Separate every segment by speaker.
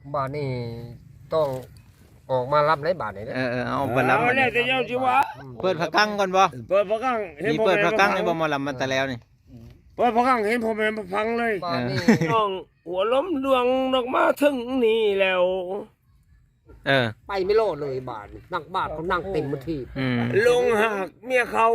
Speaker 1: บ้านนี่ต้องออกมารับในบ้านนี่นะ
Speaker 2: เอาไปรับ
Speaker 3: เอาแล้วแต่เจ้าจิวะ
Speaker 2: เปิดผักกั้งก่อนบ่
Speaker 3: เปิดพระกังเห็น
Speaker 2: นี่
Speaker 3: ผม
Speaker 2: เปิดผักกั้งนี่บ่มาลำมันแต่แล้วนี่
Speaker 3: เปิดพระกังเห็นผมเป็นฟังเลย
Speaker 1: บ้านนี่
Speaker 3: น้องหัวล้มดวงดอกมาถึงนี่แล้ว
Speaker 1: ไปไม่รอดเลยบ้านนั่งบ้านเขานั่งเต็มที่
Speaker 3: ลงหักเมียเขา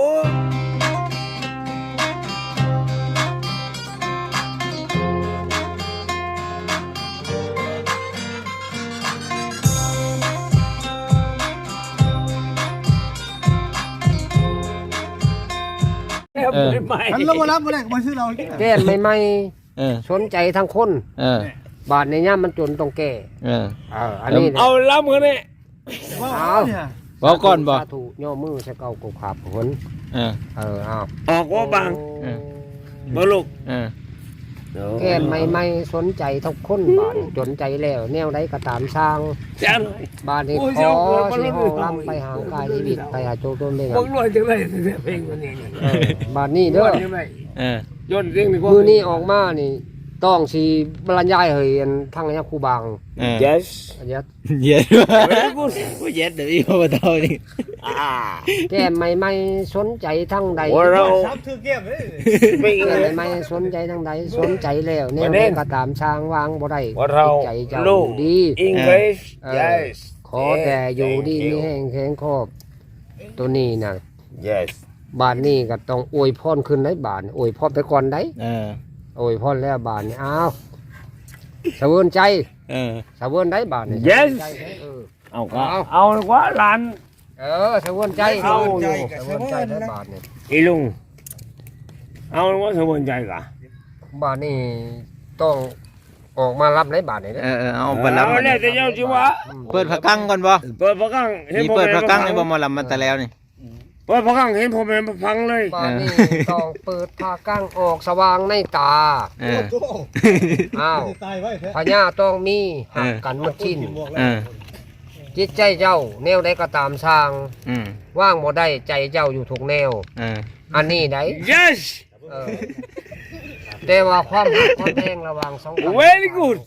Speaker 3: ใหม่
Speaker 4: ฉันเราบ่รับบ่ได้มาซื้อเรา
Speaker 1: แก้ใหม่
Speaker 2: เออ
Speaker 1: ๆสนใจทั้งคน
Speaker 2: เออ
Speaker 1: บ้านในย่ามมันจนต้องแก้
Speaker 2: เออ
Speaker 1: อันนี้
Speaker 3: เอาล้ำกันเนี่ย
Speaker 4: เนี่ย
Speaker 2: บ่ก่อนบ่
Speaker 1: สาธุย่อมือใส่เก่ากบขาบผล
Speaker 2: เออ
Speaker 1: เอา
Speaker 3: ออกว่าบาง
Speaker 2: เออ
Speaker 3: บ่ลูก
Speaker 2: เออ
Speaker 1: แก้ใหม่ๆสนใจทุกคนบ้านจนใจแล้วแนวใดก็ตามสร้าง
Speaker 3: จ้าหน่อย
Speaker 1: บ้านนี้ขอสิห้องลำไปหางกายชีวิตไปหาโจต้นเลย
Speaker 3: พวกรวยจังเลยเพลงวันนี้นี่
Speaker 1: บ้านนี้เด้อ
Speaker 3: จังเลย
Speaker 2: เออ
Speaker 3: ย้อนเรื่องดีกว่า
Speaker 1: มือนี้ออกมานี่ต้องสีบรรยายเฮยอันทั้งระยะครูบาง
Speaker 2: เออ
Speaker 3: yes
Speaker 1: อันเนี้ย
Speaker 2: เย็ด
Speaker 3: very good
Speaker 2: บ่เย็ดเดี๋ยวอีกบ่เท่านี่
Speaker 1: แก้ใหม่ๆสนใจทั้งใด
Speaker 3: ว่าเรา
Speaker 4: ซับถือเก็บเลย
Speaker 3: ไม่
Speaker 1: แก้ใหม่ๆสนใจทั้งใดสนใจแล้วแนวใดก็ตามสร้างวางบ่ได้
Speaker 3: ว่าเรา
Speaker 1: ใจเจ้า
Speaker 3: ลูก
Speaker 1: ดี
Speaker 3: English
Speaker 1: เออ
Speaker 3: yes
Speaker 1: ขอแต่อยู่ดีมีแห้งแข็งครอบตัวนี้น่ะ
Speaker 3: yes
Speaker 1: บ้านนี้ก็ต้องอวยพรขึ้นได้บ้านอวยพรไปก่อนได้
Speaker 2: เออ
Speaker 1: อวยพรแล้วบ้านนี่อ้าวสะเวินใจ
Speaker 2: เออ
Speaker 1: สะเวินได้บ้านนี่
Speaker 3: Yes
Speaker 1: ใจเด้อเออ
Speaker 3: เอาก็เอาดีกว่าหลาน
Speaker 1: สะเวินใจ
Speaker 3: เอา
Speaker 1: อยู่สะเวินใจได้บ้านนี่
Speaker 3: อีลุงเอาดีกว่าสมบูรณ์ใจกะ
Speaker 1: บ้านนี่ต้องออกมารับในบ้านนี่นะ
Speaker 2: เอาไปรับ
Speaker 3: เอาแล้วแต่เจ้าจิวะ
Speaker 2: เปิดผักกั้งก่อนบ่
Speaker 3: เปิดพระกังเห็น
Speaker 2: นี่
Speaker 3: ผม
Speaker 2: เปิด
Speaker 3: เป็น
Speaker 2: ผักกั้งนี่บ่มาลำมันแต่แล้วนี่
Speaker 3: เปิดพระกังเห็นผมเป็นฟังเลย
Speaker 1: บ้านนี่ต้องเปิดผ้ากั้งออกสว่างในตา
Speaker 2: เออ
Speaker 1: อ้าว
Speaker 4: ตายไว้แท้
Speaker 1: พญาต้องมีหักกันหมดชิ้น
Speaker 2: เออ
Speaker 1: จิตใจเจ้าแนวใดก็ตามสร้าง
Speaker 2: อืม
Speaker 1: ว่างบ่ได้ใจเจ้าอยู่ทุกแนว
Speaker 2: เออ
Speaker 1: อันนี้ได้
Speaker 3: yes
Speaker 1: เออแต่ว่าความหักความแพงระหว่างสองคน
Speaker 3: Very good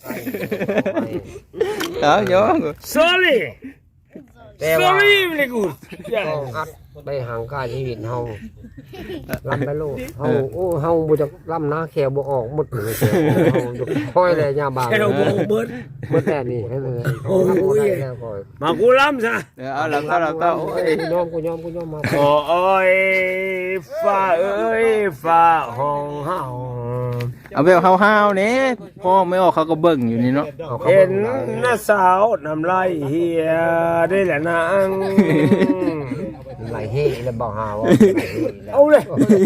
Speaker 2: เอาโย
Speaker 3: sorry
Speaker 1: แต่ว่า
Speaker 3: sorry very good
Speaker 1: ต้องอัดไปห่างกายชีวิตเฮาลำไปโลดเฮาโอ้เฮาบ่จักลำนะแขวบ่ออกหมดเลยแขวเฮาอยู่ค่อยเลยยามบาง
Speaker 3: แค่เราบอกเบิด
Speaker 1: หมดแต่นี่ให้เลย
Speaker 3: โอ้ย
Speaker 1: บ่ได้แล้วก่อย
Speaker 3: มากูล้ำซะ
Speaker 2: เอาลำก็โอ้ย
Speaker 1: กูยอมมา
Speaker 3: โอ้ยฟ้าเอ้ยฟ้าห้องเฮา
Speaker 2: เอาแบบห้าวๆนี่พ่อไม่ออกเขาก็เบิ่งอยู่นี่เนาะ
Speaker 1: เอาเข้า
Speaker 3: เห็น
Speaker 1: มา
Speaker 3: หน้าสาวน้ำลายเฮียได้แหละนาง
Speaker 1: ไหลเฮ้แล้วบ่หาว่า
Speaker 3: เอาเลย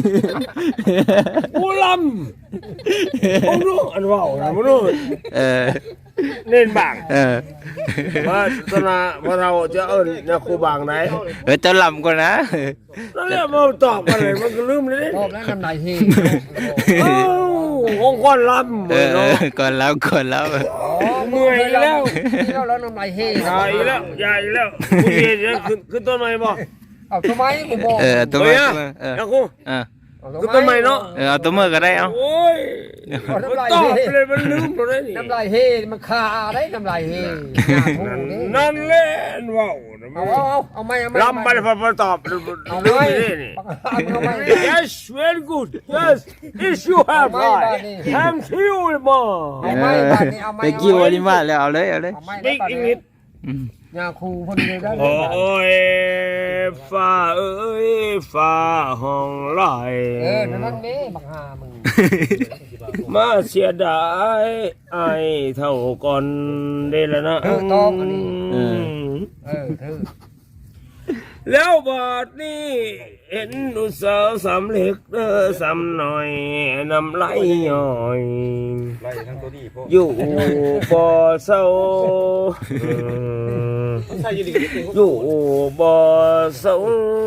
Speaker 3: กูล้ำมึงรู้อันว่าอะไรมึงรู้
Speaker 2: เออ
Speaker 3: เน้นบาง
Speaker 2: เออ
Speaker 3: ว่าตอนน่ะว่าเราจะเอิ้นนะครูบางไหน
Speaker 2: เจ้าลำก่อนนะ
Speaker 3: แล้วเนี่ยมาตอบกันเลยมันก็ลืมเลย
Speaker 1: ตอบแล้วน้ำไหลเฮ้
Speaker 3: เอ้าองค์กรล้ำ
Speaker 2: เอ
Speaker 3: มือ
Speaker 2: อ
Speaker 3: เนาะ
Speaker 2: ก่อนแล้ว
Speaker 3: เมื่อยแล้ว
Speaker 1: แล้วน้ำไหลเฮ้
Speaker 3: ใหญ่แล้วใหญ่แล้วกูเห็นแล้วขึ้นต้นไม้บ่
Speaker 1: เอาทำไมกูบอก
Speaker 2: ตัว
Speaker 3: เฮ้
Speaker 2: มื
Speaker 3: ย
Speaker 2: อ
Speaker 3: อะ
Speaker 2: เออ
Speaker 3: นะกู
Speaker 2: เออ
Speaker 3: ขึ้นต้นไม้เนาะ
Speaker 2: เอาตัวมือก็ได้เอา
Speaker 3: โอ้ยมันตอบเลยมันลืมหมดเลยนี่
Speaker 1: น้ำไหลเฮ้มันคาได้น้ำไหลเฮ้
Speaker 3: นั่นแหละว้าว
Speaker 1: เอาไม่
Speaker 3: ลำไปพอตอบลืมไปเลยนี่ Yes very good Yes if you have right thank you มา
Speaker 2: ไปกิ้วอันนี้มาแล้วเอาเลย
Speaker 3: Speak English
Speaker 1: ยาคูคนเดียวได้
Speaker 3: โอ้ยฟ้าเอ้ยฟ้าห้องลอย
Speaker 1: นั่นนี่บักฮามึง
Speaker 3: มาเสียดายไอเท่าก่อนได้แล้วนะ
Speaker 1: ต้องอันนี้
Speaker 3: แล้วบาดนี้เห็นอุตสาห์สำเร็จสำหน่อยน้ำไหลย่อยอยู่บ่อเศร้าอยู่บ่อเศร้า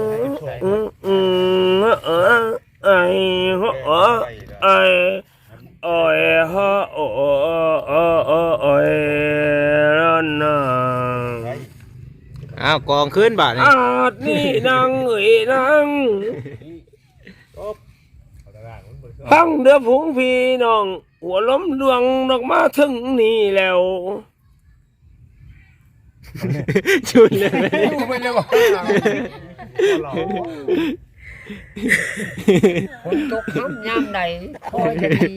Speaker 3: ไอ้หัวไอ้โอ้ยฮะโอ้ยร้อนนา
Speaker 2: อ้าวกองขึ้นบาทนี่
Speaker 3: อาจนี่นางเอ๋ยนางตั้งเดือผงพี่น้องหัวล้มดวงดอกมาถึงนี่แล้ว
Speaker 2: ชุนเลย
Speaker 1: ดูไปเลยว่าคนตกน้ำยามใดคอยจะดี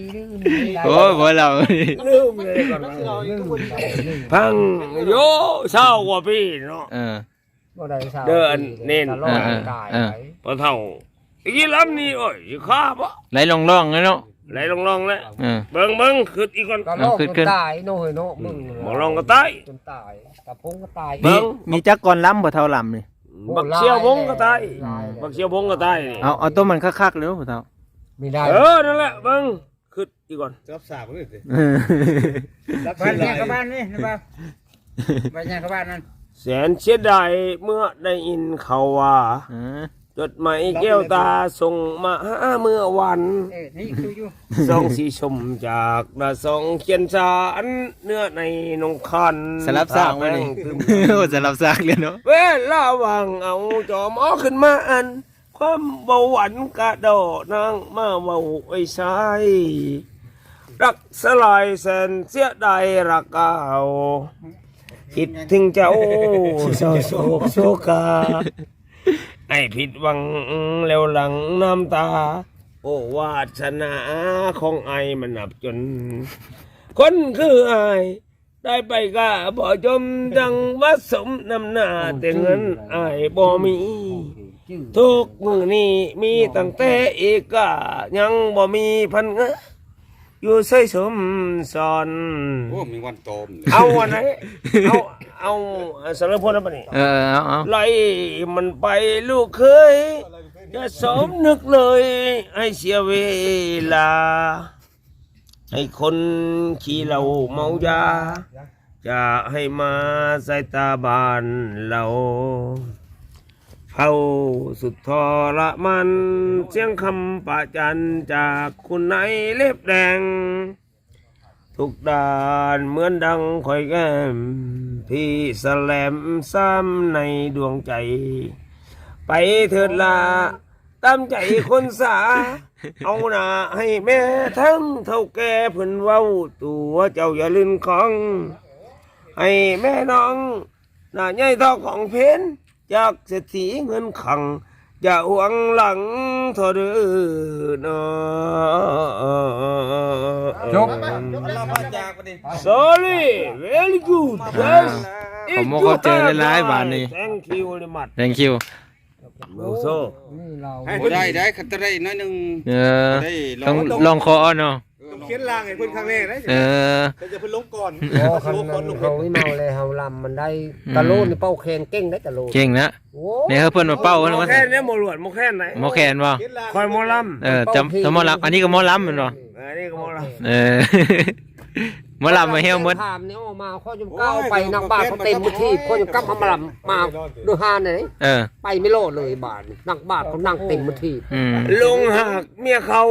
Speaker 2: โอ้ยบ่เรา
Speaker 3: ลืมเลยก่อนพังโยเศร้ากว่าพี่เนาะ เดินเน้น พอเท่าอีลำนี่โอ้ยข้าปะ
Speaker 2: ไหลลงร่องเลยเนาะ
Speaker 3: ไหลลงแล้วเบิ่งขึ้นอีกก่อน
Speaker 1: ก็ลอกจนตายโน่ยโน่มึง
Speaker 3: หมอลองก็ตาย
Speaker 1: จนตายกระพงก็ตาย
Speaker 2: มีจักรกรล้ำบ่เท่าลำนี่
Speaker 3: บักเชียวพงก็ตายบักเชียวพงก็ตายนี่
Speaker 2: เอาตัวมันคักๆเลยบ่เท่า
Speaker 1: ไม่ได้
Speaker 3: นั่นแหละเบิ่งขึ้นอีกก่อน
Speaker 4: รับสาบเลยสิ
Speaker 5: บ้านเนี่ยกับบ้านนี่นะบ้านบ้านเนี่ยกับบ้านนั่น
Speaker 3: แสนเสียดายเมื่อได้ยินเขาว่าจดหมายแก้วตาส่งมาหาเมื่อวัน
Speaker 5: นี่คืออยู่
Speaker 3: ส่งสีชมจากนาส่งเขียนสารเนื้อในนงคัน
Speaker 2: สลับซากไว้นี่โอ้สลับซากเลยเนาะ
Speaker 3: เวลาวางเอาจอมอขึ้นมาอัน ความเบาหวานกระโดดนางมาเบาไอ้ชายรักสลายแสนเสียดายรักเก่าคิดถึงเจ้าเศร้าโศกโศกาไอ้ผิดหวังแล้วหลังน้ำตา โอ้วาสนาของไอ้มันนับจน คนคือไอ้ได้ไปก็บ่จมจังว่าสมนำหน้าแต่เงินไอ้บ่มี ทุกมือนี้มีตั้งแต่อีกก็ยังบ่มีพันเงะอยู่ใส่สมสอน
Speaker 4: โอ้มีวันโตม
Speaker 3: เอาวันไหนเอาสารพลแล้วปะนี่
Speaker 2: เอา
Speaker 3: ไล่มันไปลูกเคยจะสมนึกเลยให้เสียเวลา ให้คนขี่เราเมายา จะให้มาใส่ตาบานเราเฝ้าสุดทรมันเสียงคำประจันจากคุณนายเล็บแดง ทุกด้านเหมือนดังคอยแก้มพี่แสลมซ้ำในดวงใจ ไปเถิดลาตามใจคนสา เอาหน้าให้แม่ทั้งเท่าแก่เพิ่นเว้าตัวเจ้าอย่าลืมของ ให้แม่น้องหน้าใหญ่เท่าของเพนจากเศรษฐีเงินขัง อย่าหวงหลังเธอเด้อเนาะ
Speaker 1: จบ
Speaker 4: เราพาจากประเด็น
Speaker 3: Sorry very good yes
Speaker 2: ผมบ่เข้าใจหลายๆบาดนี้
Speaker 3: thank you very much
Speaker 2: thank you
Speaker 3: โซ่
Speaker 1: นี่เรา
Speaker 4: ได้ขัดได้น้อยนึง ได้
Speaker 2: ต้องลองคอเนาะ
Speaker 4: เขียนลางไอ้เพิ่นครั้งแรกนะ แต่จะเพิ่นลงก่อน
Speaker 1: พอคันนั้นเขาไม่เมาเลยเฮาลำมันได้ตะโลนนี่เป้าแคนเก่งได้ตะโลน
Speaker 2: เก่งนะ
Speaker 1: โอ้
Speaker 2: เนี่ยเพิ่นมาเป้า
Speaker 3: หม
Speaker 2: เนาะ
Speaker 3: อแค่เนี่ยหมอหลวดหมอแค่ไหน
Speaker 2: หมอแขนบ่
Speaker 3: คอยหมอล
Speaker 2: จำหมอลำอันนี้ก็หมอลำแม่นบ่
Speaker 3: ำอันนี้ก็หมอล
Speaker 2: หมอลำมาเฮี้ยวหมด
Speaker 1: ถามเนี่ยออกมาข้อจมก้าวไปนักบ้านเขาเต็มที่ข้อจมก้าวมาลำมาดูฮานเลยไปไม่โลดเลยบาทนักบ้านเขานั่งเต็มที่
Speaker 3: ำลุงหักเมียเขา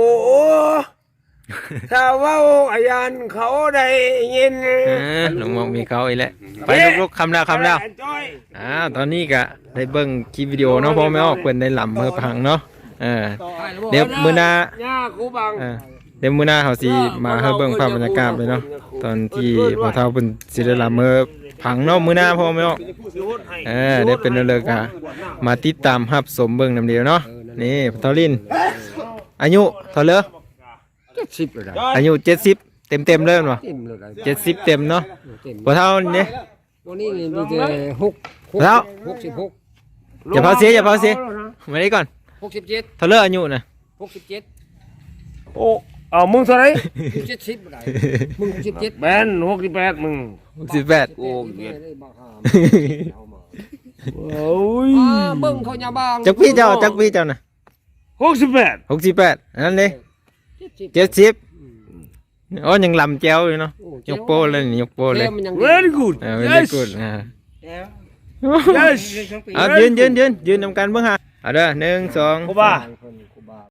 Speaker 3: ถ้าเว้าอายันเขาได้ยิน
Speaker 2: ลุงมองมีเขาอีกแล้วไปลุกๆคำแล้ว
Speaker 3: จ้อย
Speaker 2: ตอนนี้ก็ได้เบิ่งคลิปวิดีโอเนาะพ่อแม่ออกเพิ่นได้ลำเมื่อพังเนาะเดี๋ยวมื้อหน้า
Speaker 3: ย่ากูบัง
Speaker 2: เดี๋ยวมื้อหน้าเขาสิมาให้เบิ่งภาพบรรยากาศเลยเนาะตอนที่พ่อเฒ่าเพิ่นสิได้ลำเมื่อพังเนาะมื้อหน้าพ่อแม่ออกได้เป็นเลิกอ่ะมาติดตามรับชมเบิ่งนำเดียวเนาะนี่พ่อเฒ่าลินอายุเท่าเลย
Speaker 1: 70เลยได้
Speaker 2: อายุ70เต็มเลยเนาะ
Speaker 1: เต็มเลยได้
Speaker 2: 70เต็มเนาะพ่อเฒ่านี่
Speaker 1: ตัวนี้มีแต่6
Speaker 2: แล้ว
Speaker 1: 66
Speaker 2: อย่าเผาเสียมานี่ก่อน
Speaker 1: 67
Speaker 2: เท่าเลยอายุน่ะ
Speaker 1: 67
Speaker 3: โอ้เอามึงเท่าไหร
Speaker 1: 70บ่ได้มึง67
Speaker 3: แบน68มึง
Speaker 2: 18
Speaker 3: โอ้เกียด
Speaker 1: เอามา
Speaker 3: โอ้ย
Speaker 1: เบิ่งเขาอย่าบาง
Speaker 2: จักพี่เจ้าน่ะ
Speaker 3: 68
Speaker 2: 68อันนั้นเด้70อ๋อยังลำแจ้วอยู่เนาะยกโป้เลยนี่ยกโป้เลย
Speaker 3: very good
Speaker 2: very
Speaker 3: yes
Speaker 2: good
Speaker 3: yes
Speaker 2: เอายืนนำกันเบิ่งฮะเอาเด้อ1 2
Speaker 3: กูบ้า